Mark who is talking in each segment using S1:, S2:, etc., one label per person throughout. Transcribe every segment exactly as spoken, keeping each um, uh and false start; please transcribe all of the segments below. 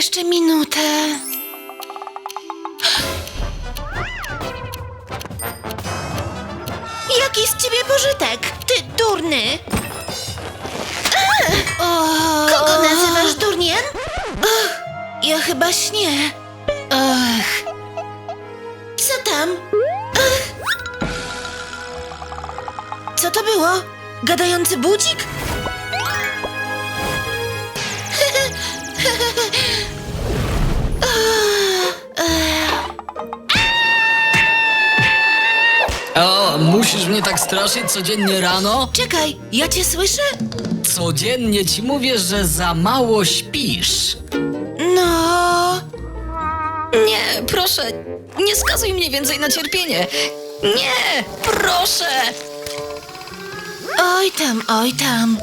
S1: jeszcze minutę. Jaki z ciebie pożytek, ty durny? O, kogo nazywasz durniem? Ach, ja chyba śnię. Ach. Co tam? Ach. Co to było? Gadający budzik?
S2: O, musisz mnie tak straszyć codziennie rano?
S1: Czekaj, ja cię słyszę?
S2: Codziennie ci mówię, że za mało śpisz.
S1: No...
S2: Nie, proszę, nie skazuj mnie więcej na cierpienie. Nie, proszę!
S1: Oj tam, oj tam.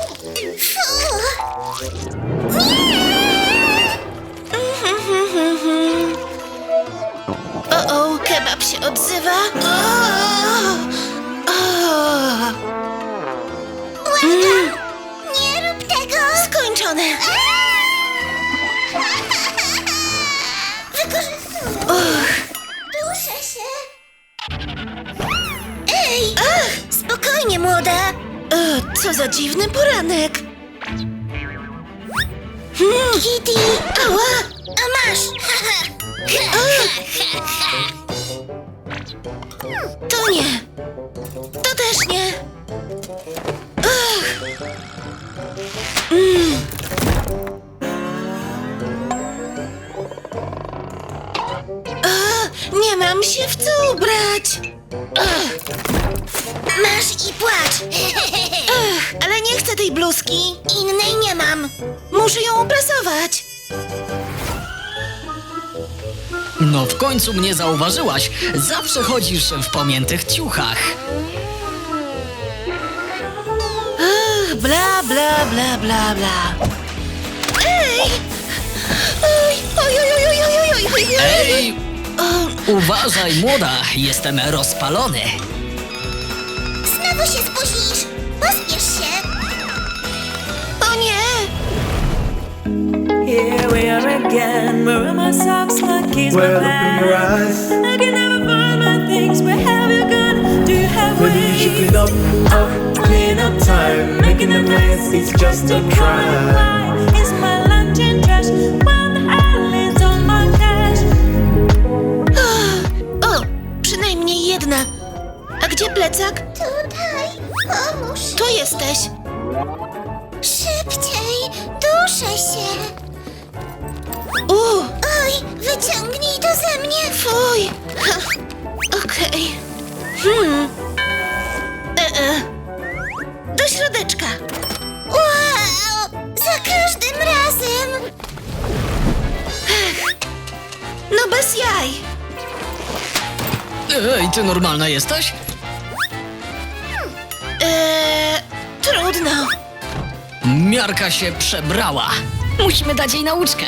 S1: O, o, kebab się odzywa. O, o. Mm.
S3: Nie rób tego!
S1: Skończone.
S3: Wykorzystuję!
S1: Och.
S3: Duszę się! Ej! Ach, spokojnie, młoda!
S1: E, co za dziwny poranek. Hmm.
S3: Kitty!
S1: Ała!
S3: A masz!
S1: To nie. To też nie. Ach. Mm. A, nie mam się w co ubrać. Ach.
S3: Masz i płacz!
S1: Ach, ale nie chcę tej bluzki.
S3: Innej nie mam!
S1: Muszę ją uprasować.
S2: No w końcu mnie zauważyłaś. Zawsze chodzisz w pomiętych ciuchach.
S1: Ach, bla, bla, bla, bla, bla. Ej! Oj, oj, oj, oj, oj, oj, oj, oj, oj.
S2: Ej,
S1: O,
S2: uważaj, młoda, jestem rozpalony.
S3: Znowu się spóźnisz! Pospiesz się!
S1: o nie!
S4: Here we are again. Where are my socks, my keys, my
S5: Well, open your
S4: pants?
S5: eyes.
S4: I can never find my things. Where have you gone? Do you have
S5: When you should
S4: ways?
S5: clean up, up, clean up time. Making a mess is just a crime.
S4: Why is my lunch in trash when the island's on my cash?
S1: O, przynajmniej jedna. A gdzie plecak?
S3: Tutaj! Pomóż!
S1: Tu jesteś.
S3: Szybciej! Duszę się!
S1: U,
S3: Oj, wyciągnij to ze mnie!
S1: fuj. Ha, okej. Hmm. E, e. Do środeczka.
S3: Wow! Za każdym razem!
S1: No bez jaj.
S2: Ej, ty normalna jesteś?
S1: Eee, trudno.
S2: Miarka się przebrała. Musimy dać jej nauczkę.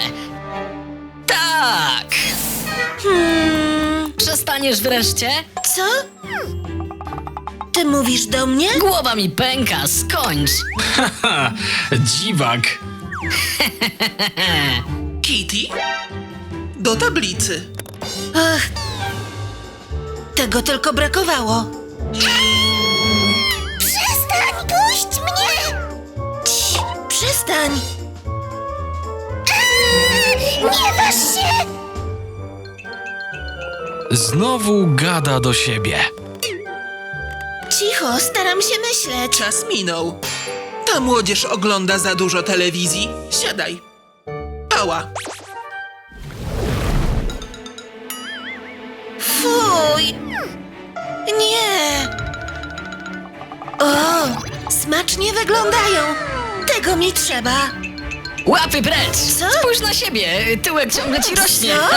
S2: Tak!
S1: Hmm,
S2: Przestaniesz wreszcie?
S1: co? Ty mówisz do mnie?
S2: Głowa mi pęka, skończ!
S6: Haha, dziwak.
S7: Kitty? Do tablicy.
S1: Ach, tego tylko brakowało.
S3: Przestań! Puść mnie!
S1: Cii, przestań.
S3: Eee, nie waż się!
S6: Znowu gada do siebie.
S1: Cicho, staram się myśleć.
S7: Czas minął. Ta młodzież ogląda za dużo telewizji. Siadaj. Pała.
S1: Fuj. Nie. O, smacznie wyglądają. Tego mi trzeba.
S2: Łapy precz!
S1: Co?
S2: Spójrz na siebie, tyłek ciągle ci rośnie.
S1: Co?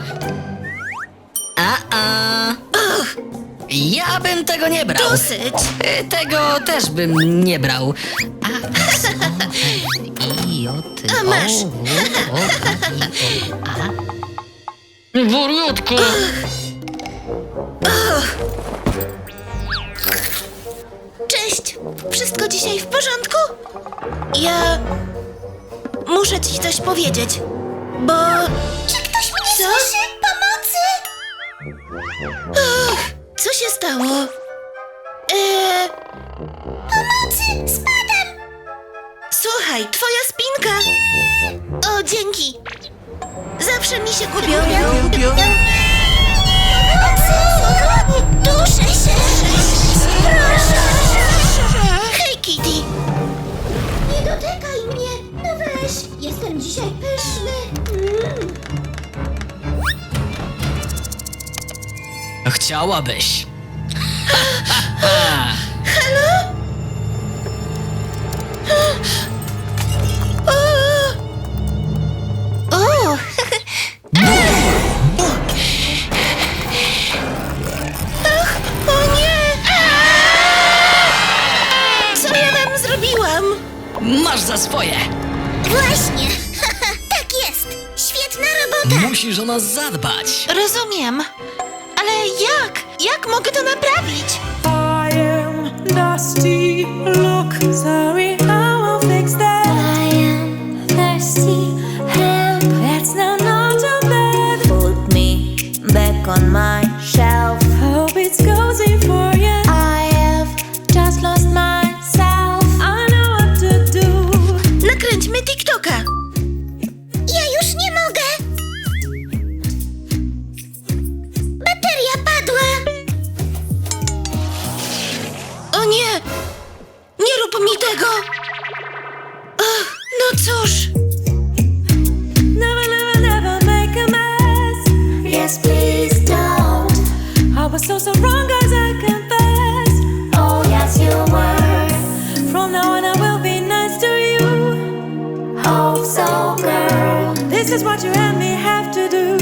S2: A, a. Ja bym tego nie brał.
S1: Dosyć.
S2: Y, Tego też bym nie brał. A, s, o, e, i, o, ty,
S1: A masz.
S2: o, w, o, a, i, o, a. Wariatko!
S1: Cześć. Wszystko dzisiaj w porządku? Ja muszę ci coś powiedzieć. bo...
S3: Czy ktoś mnie
S1: Co?
S3: słyszy? Pomocy!
S1: Och, co się stało? Eee,
S3: Pomocy! Spadam!
S1: słuchaj, twoja spinka. O, dzięki. Zawsze mi się gubią.
S7: Bią, bią.
S3: Pomocy! Duszę się! Proszę!
S1: Hej, Kitty.
S3: Nie dotykaj mnie! No weź! Jestem dzisiaj pyszny! Mm.
S2: Chciałabyś.
S1: O, ach, o nie. Co ja wam zrobiłam?
S2: Masz za swoje.
S3: Właśnie! Tak jest! Świetna robota!
S2: Musisz o nas zadbać.
S1: Rozumiem. Ale jak? Jak mogę to naprawić?
S4: I am dusty. Look, sorry, I will fix that.
S3: I am thirsty. Help!
S4: That's not not too bad.
S8: Put me back on my shelf.
S4: Hope it's cozy for you.
S8: I have just lost myself.
S4: I know what to do.
S1: Nakręćmy TikToka.
S3: Ja już nie mogę! Bateria padła!
S1: O nie! Nie rób mi tego! Ach, no cóż.
S4: Never, never, never make a mess.
S3: Yes, please don't!
S4: I was so, so wrong, guys, I confess.
S3: Oh, yes, you were!
S4: From now on, I will be nice to you.
S3: Oh, so girl!
S4: This is what you and me have to do.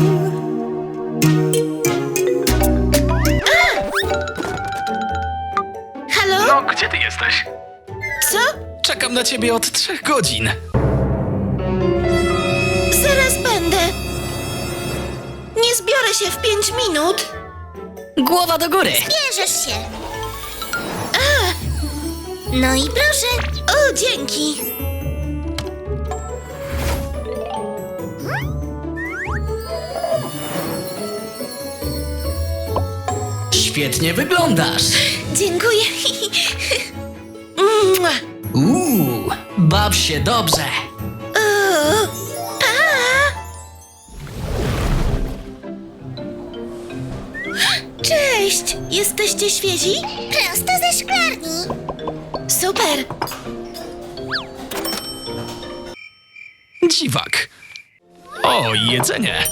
S1: Halo?
S6: No, gdzie ty jesteś?
S1: Co?
S6: Czekam na ciebie od trzech godzin.
S1: Zaraz będę. Nie zbiorę się w pięć minut.
S2: Głowa do góry.
S3: Bierzesz się! No i proszę!
S1: O, dzięki.
S2: Świetnie wyglądasz.
S1: Dziękuję. Mua.
S2: Uuu, baw się dobrze.
S1: O, pa! Cześć! Jesteście świezi?
S3: Prosto ze szklarni!
S1: Super!
S6: Dziwak. O, jedzenie.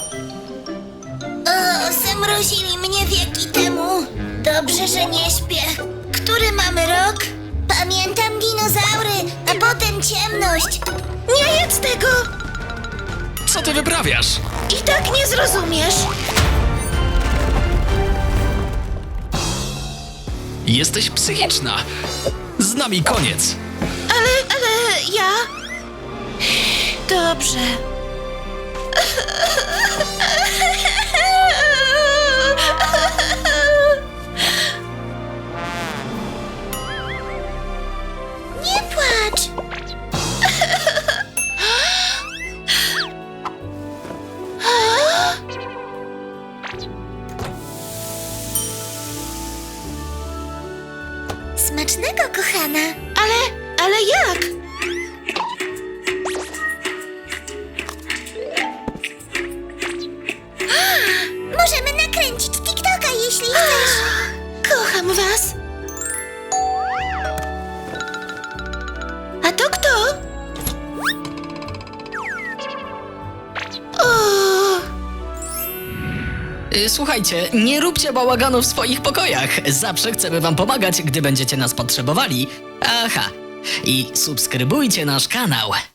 S3: O, zamrozili mnie wieki temu. Dobrze, że nie śpię. Który mamy rok? Pamiętam dinozaury, a potem ciemność.
S1: Nie jedz tego!
S6: Co ty wyprawiasz?
S1: I tak nie zrozumiesz.
S6: Jesteś psychiczna. Z nami koniec.
S1: Ale, ale ja... Dobrze.
S3: Nie płacz! Smacznego, kochana!
S1: Ale, ale jak?
S3: Możemy nakręcić TikToka, jeśli chcesz.
S1: Kocham was. A to kto? O,
S2: Y, Słuchajcie, nie róbcie bałaganu w swoich pokojach. Zawsze chcemy wam pomagać, gdy będziecie nas potrzebowali. Aha. I subskrybujcie nasz kanał.